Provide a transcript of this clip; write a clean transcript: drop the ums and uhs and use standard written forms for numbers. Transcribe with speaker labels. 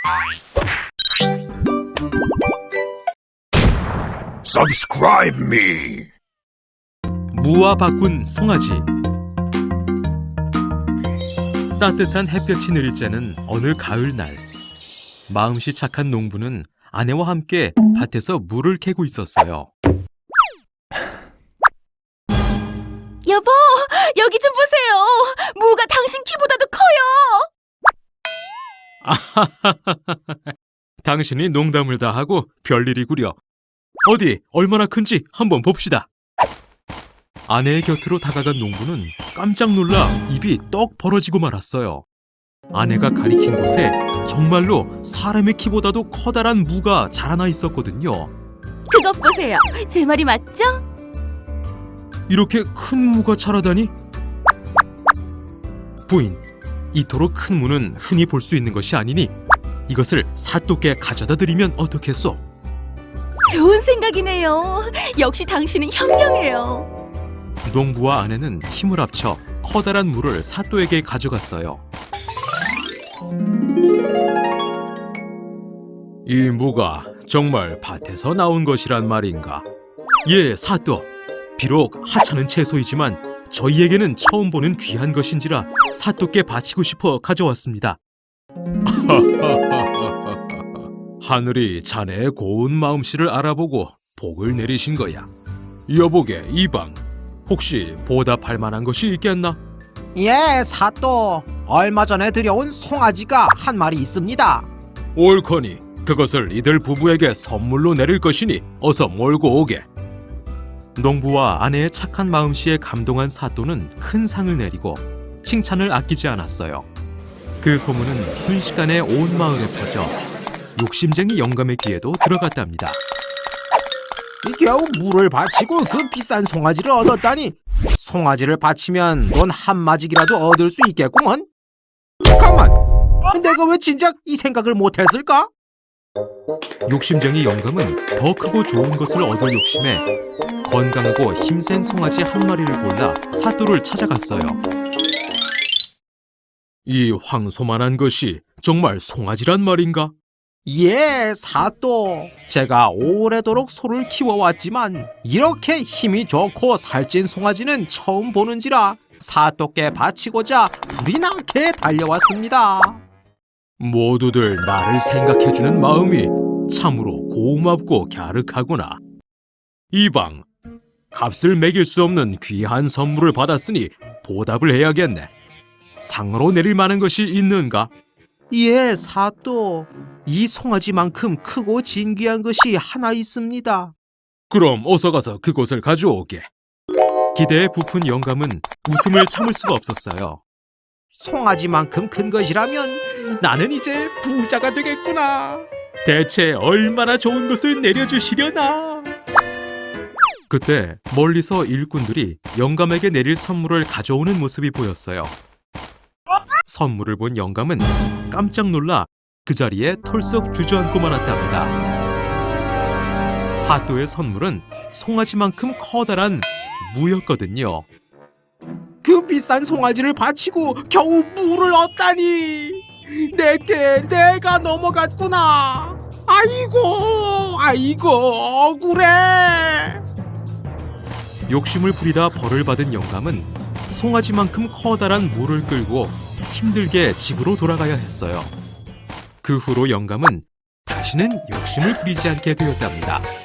Speaker 1: Subscribe me.
Speaker 2: 무와 바꾼 송아지. 따뜻한 햇볕이 내릴 때는 어느 가을날, 마음씨 착한 농부는 아내와 함께 밭에서 물을 캐고 있었어요.
Speaker 3: 여보, 여기 좀 보세요. 무가 당신 키보다도 커요.
Speaker 2: 당신이 농담을 다 하고 별일이구려. 어디 얼마나 큰지 한번 봅시다. 아내의 곁으로 다가간 농부는 깜짝 놀라 입이 떡 벌어지고 말았어요. 아내가 가리킨 곳에 정말로 사람의 키보다도 커다란 무가 자라나 있었거든요.
Speaker 3: 그것 보세요. 제 말이 맞죠?
Speaker 2: 이렇게 큰 무가 자라다니? 부인, 이토록 큰 무는 흔히 볼 수 있는 것이 아니니 이것을 사또께 가져다 드리면 어떻겠소?
Speaker 3: 좋은 생각이네요. 역시 당신은 현명해요.
Speaker 2: 농부와 아내는 힘을 합쳐 커다란 무를 사또에게 가져갔어요. 이 무가 정말 밭에서 나온 것이란 말인가? 예, 사또. 비록 하찮은 채소이지만 저희에게는 처음 보는 귀한 것인지라 사또께 바치고 싶어 가져왔습니다. 하늘이 자네의 고운 마음씨를 알아보고 복을 내리신 거야. 여보게, 이방, 혹시 보답할 만한 것이 있겠나?
Speaker 4: 예, 사또. 얼마 전에 들여온 송아지가 한 마리 있습니다.
Speaker 2: 옳거니 그것을 이들 부부에게 선물로 내릴 것이니 어서 몰고 오게. 농부와 아내의 착한 마음씨에 감동한 사또는 큰 상을 내리고 칭찬을 아끼지 않았어요. 그 소문은 순식간에 온 마을에 퍼져 욕심쟁이 영감의 귀에도 들어갔답니다.
Speaker 4: 겨우 물을 바치고 그 비싼 송아지를 얻었다니. 송아지를 바치면 돈 한 마직이라도 얻을 수 있겠구먼. 잠깐만, 내가 왜 진작 이 생각을 못했을까?
Speaker 2: 욕심쟁이 영감은 더 크고 좋은 것을 얻을 욕심에 건강하고 힘센 송아지 한 마리를 골라 사또를 찾아갔어요. 이 황소만한 것이 정말 송아지란 말인가?
Speaker 4: 예, 사또. 제가 오래도록 소를 키워왔지만 이렇게 힘이 좋고 살찐 송아지는 처음 보는지라 사또께 바치고자 불이 나게 달려왔습니다.
Speaker 2: 모두들 나를 생각해주는 마음이 참으로 고맙고 갸륵하구나. 이방, 값을 매길 수 없는 귀한 선물을 받았으니 보답을 해야겠네. 상으로 내릴 만한 것이 있는가?
Speaker 4: 예, 사또. 이 송아지만큼 크고 진귀한 것이 하나 있습니다.
Speaker 2: 그럼 어서 가서 그곳을 가져오게. 기대에 부푼 영감은 웃음을 참을 수가 없었어요.
Speaker 4: 송아지만큼 큰 것이라면 나는 이제 부자가 되겠구나.
Speaker 2: 대체 얼마나 좋은 것을 내려주시려나? 그때 멀리서 일꾼들이 영감에게 내릴 선물을 가져오는 모습이 보였어요. 선물을 본 영감은 깜짝 놀라 그 자리에 털썩 주저앉고 말았답니다. 사또의 선물은 송아지만큼 커다란 무였거든요.
Speaker 4: 그 비싼 송아지를 바치고 겨우 무를 얻다니. 내가 넘어갔구나. 아이고 억울해.
Speaker 2: 욕심을 부리다 벌을 받은 영감은 송아지만큼 커다란 무를 끌고 힘들게 집으로 돌아가야 했어요. 그 후로 영감은 다시는 욕심을 부리지 않게 되었답니다.